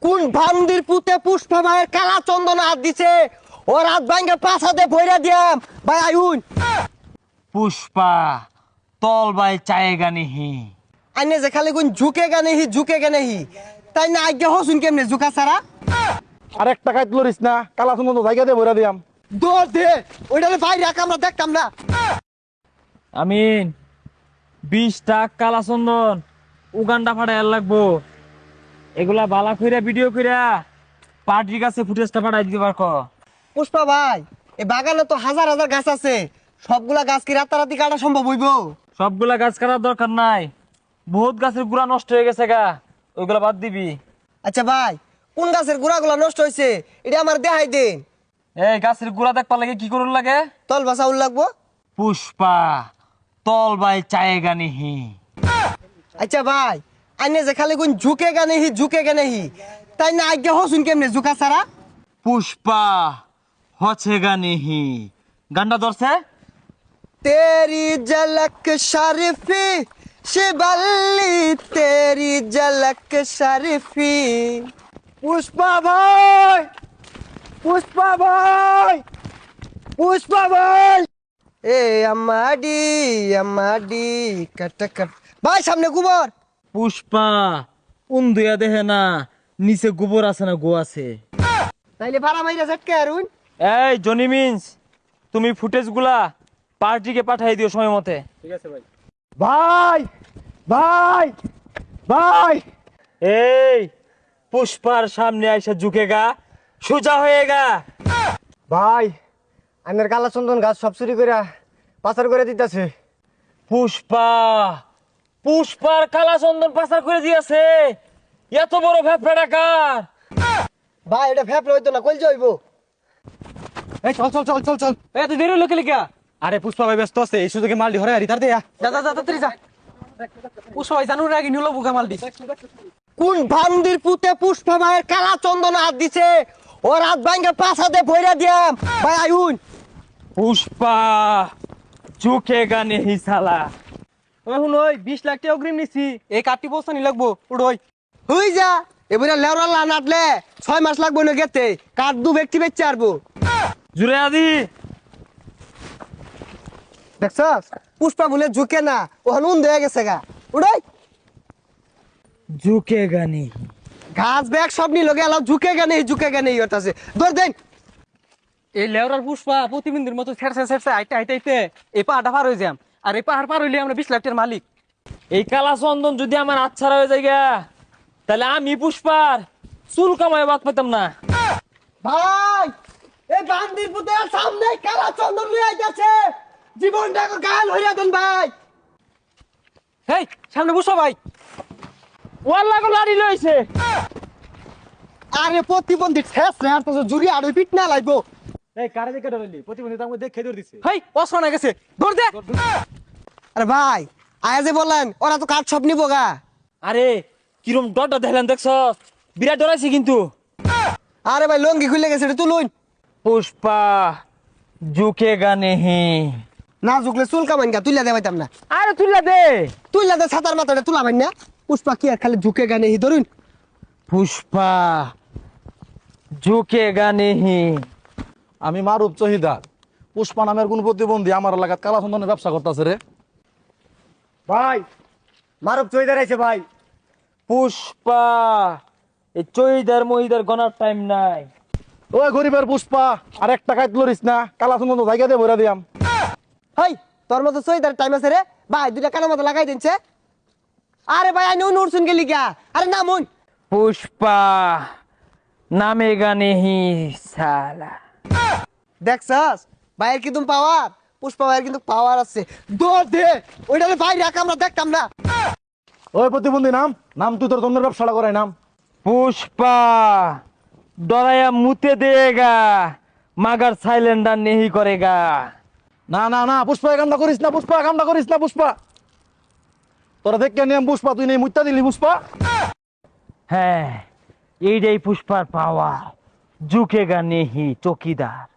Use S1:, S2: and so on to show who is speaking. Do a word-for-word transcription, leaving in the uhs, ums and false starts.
S1: কোন ভান্দির পুতে পুষ্পা ভাইয়ের কালা চন্দন হাত দিছে ও রাত ভাঙ্গে পাছাতে ভইরা দিয়াম ভাই আইউন।
S2: পুষ্পা তল বাই চায়েগা নিহি।
S1: আইনে যে খালি কোন ঝুঁকে গানে হি ঝুঁকে গানে হি তাই না আজ্ঞা হসুন কেমনে ঝুঁকা ছাড়া।
S3: আর এক টাকায় তুলিস না, কালা সুন্দর জায়গা দিয়ে ভরে দিয়াম।
S1: দৌড় দে ওইটালে বাইরে রাখ আমরা দেখতাম না।
S2: আমিন বিশ টাক কালা চন্দন উগান্ডা ফাটাই লাগবো। এগুলা বালা কইরা ভিডিও কইরা পার্টির কাছে ফুটেজটা পাঠাই দিতে পারকো।
S1: পুষ্পা ভাই এই বাগানে তো হাজার হাজার গাছ আছে, সবগুলা গাছ কি রাতারাতি কাটা সম্ভব হইব?
S2: সবগুলা গাছ কাটার দরকার নাই, বহুত গাছের গুড়া নষ্ট হয়ে গেছে গা, ওইগুলা বাদ দিবি।
S1: আচ্ছা ভাই কোন গাছের গোড়াগুলা নষ্ট হয়েছে এটা আমার দেখাই দেন।
S2: এই গাছের গুড়া দেখবার লাগে কি করুন লাগে?
S1: তল বাসা উল লাগবো।
S2: পুষ্পা তল বাই চায়েগা নিহি।
S1: আচ্ছা ভাই আইনে যে খালি কোন ঝুঁকে গানে হি ঝুঁকে গানে হি তাই না আজ্ঞা হসুন কেমনে ঝুঁকা ছাড়া।
S2: পুষ্পা হছেগা নিহি গানটা ধরছে।
S1: तेरी झलक शरीफी शिबल्ली तेरी झलक शरीफी। पुष्पा भाई पुष्पा भाई पुष्पा भाई ए अम्माडी अम्माडी कट कट भाई सामने गोबर।
S2: পুষ্পা উন্দুয়া দেহে না নিচে গোবর আছে না গো আছে।
S1: তাইলে ভাড়া মাইরা ঝটকে আরুন।
S2: এই জনি মিন্স তুমি ফুটেজ গুলা পার্টিকে পাঠাই দিও সময় মতে। ঠিক আছে ভাই।
S3: ভাই ভাই ভাই
S2: এই পুষ্পার সামনে আইসা ঝুঁকেগা সোজা হয়েগা।
S1: ভাই আইনের কালা চন্দন গাছ সব চুরি করে পাচার করে দিতেছে।
S2: পুষ্পা পুষ্পার কালা চন্দন পাচার করে দিয়েছে, এত বড় ভ্যাপড়া ডাকার।
S1: ভাই এটা ফ্যাপ হইতো না কইল যাইবো।
S3: এই চল চল চল চল চল।
S2: এত দেরি লোকে লিখা।
S3: আরে পুষ্পা ভাই ব্যস্ত আছে, এই সুযোগে মাল দি হরে আরি তার দেয়া।
S1: যা যা যা তাড়াতাড়ি যা।
S3: পুষ্পা ভাই জানুর আগে নিলো বুকা মাল দি।
S1: কোন ভান্দির পুতে পুষ্পা ভাইয়ের কালা চন্দন হাত দিছে ও রাত ভাঙ্গে পাছাতে ভইরা দিয়াম ভাই আইউন।
S2: পুষ্পা ঝুঁকেগা নেহি সালা।
S3: এখন ওই বিশ লাখ টাকা অগ্রিম নিছি, এই কাটি বস্তা নি লাগবো উড়োই।
S1: হই যা এবারে লেওরা লা নাটলে ছয় মাস লাগবো না গেতে কাঠ দু ব্যক্তি বেচে আরবো।
S2: জুড়ে আদি
S1: দেখছস পুষ্পা বলে ঝুঁকে না ওখানে উন হয়ে গেছে গা উড়াই।
S2: ঝুঁকেগা নেহি
S1: ঘাস ব্যাগ সব নিল গেল ঝুঁকে গেনে ঝুঁকে গেনে ইয়তাছে ধর দেন।
S3: এই লেওরার পুষ্পা প্রতিবিন্দুর মতো ছেড়ছে ছেড়ছে আইতে আইতে আইতে এই পাহাড়টা পার হয়ে যাম, আর এই পাহাড় পার হইলে আমরা বিশ লাখ টাকার মালিক।
S2: এই কালা চন্দন যদি আমার আচ্ছাড়া হয়ে যায় গা, তাহলে আমি পুষ্পার চুল কামায় বাদ পেতাম না।
S1: ভাই এই বান্দির পুতে সামনে কালা চন্দন লই আইতাছে, জীবনটাকে গাল হইয়া দেন ভাই।
S3: হেই সামনে পুষ্পা ভাই।
S2: ওয়াল্লা গো লাড়ি লইছে।
S1: আরে প্রতিবন্ধী ঠেস রে আর তো জুরি আর পিট না লাগবো।
S3: এই কারে দেখে ধরলি প্রতিবন্ধী তার মধ্যে খেয়ে ধরে দিছে।
S2: হেই অসনা গেছে ধর দে।
S1: আরে ভাই আয়া যে বললেন ওরা তো কাঠ সব নিবো গা।
S2: আরে কিরম ডরটা দেখলেন দেখছ, বিরাট ডরাইছি কিন্তু।
S1: আরে ভাই লঙ্গি খুলে গেছে এটা তুলুন।
S2: পুষ্পা ঝুঁকেগা নেহি।
S1: না ঝুকলে চুল কামাইন গা তুইলা দেবাইতাম না।
S2: আরে তুইলা দে।
S1: তুইলা দে ছাতার মাথাটা তুলা ভাই না। পুষ্পা কি আর খালি ঝুঁকে গানে হি ধরুন।
S2: পুষ্পা ঝুঁকেগা নেহি।
S4: আমি মারুপ চহিদার, পুষ্পা নামের কোন প্রতিবন্ধী আমার এলাকাত কালা চন্দনের ব্যবসা করতেছে রে।
S1: ভাই মারুপ চইদার আইছে ভাই।
S2: পুষ্পা এই চইদার মহিদার গনার টাইম নাই।
S4: ওই গরিবের পুষ্পা আর এক টাকায় তুলিস না, কালা চন্দন জায়গা দিয়ে ভরে দিয়াম।
S1: হাই তোর মতো চইদার টাইম আছে রে ভাই, দুইটা কানের মতো লাগাই দিনছে। আরে ভাই আই নো উড়ছুন গেলি গা। আরে না মন
S2: পুষ্পা নামেগা নেহি সালা।
S1: দেখছস ভাইয়ের কিন্তু পাওয়ার, পুষ্পা ভাইয়ের কিন্তু পাওয়ার আছে। দৌড় দে ওইটালে ভাই রাখ আমরা দেখতাম না।
S4: ওই প্রতিবন্ধী নাম নাম তুই তোর চন্দ্রের ব্যবসাটা করাই নাম।
S2: পুষ্পা ডরায়া মুতে দেগা মাগার সাইলেন্ডার নেহি করেগা।
S4: না না না পুষ্পা এই কামটা করিস না, পুষ্পা কামটা করিস না পুষ্পা। তোরা দেখ কেন পুষ্পা তুই নেই মুত্তা দিলি পুষ্পা।
S2: হ্যাঁ এইটাই পুষ্পার পাওয়া, ঝুঁকেগা নেহি চকিদার।